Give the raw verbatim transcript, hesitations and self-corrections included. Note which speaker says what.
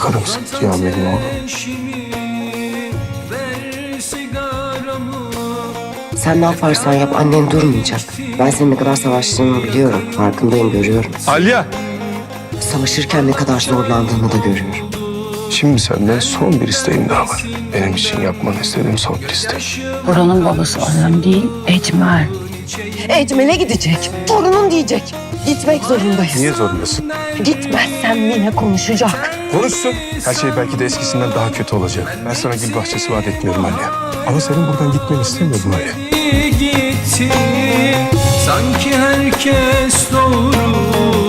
Speaker 1: karımsın Cihan benim oğlum.
Speaker 2: Sen ne yaparsan yap annen durmayacak. Ben senin ne kadar savaştığını biliyorum. Farkındayım, görüyorum.
Speaker 1: Alya!
Speaker 2: Savaşırken ne kadar zorlandığını da görüyorum.
Speaker 1: Şimdi senden son bir isteğim daha var. Benim için yapmanı istediğim son bir isteğim.
Speaker 3: Buranın babası annem değil, Ecmel.
Speaker 2: Ecmel'e gidecek. Torunun diyecek. Gitmek zorundayız.
Speaker 1: Niye zorundasın?
Speaker 2: Gitmezsen Mine konuşacak.
Speaker 1: Konuşsun. Her şey belki de eskisinden daha kötü olacak. Ben sana gül bahçesi vaat etmiyorum Alya. Ama senin buradan gitmeni istemiyorum Alya.
Speaker 4: Gitti sanki herkes doğru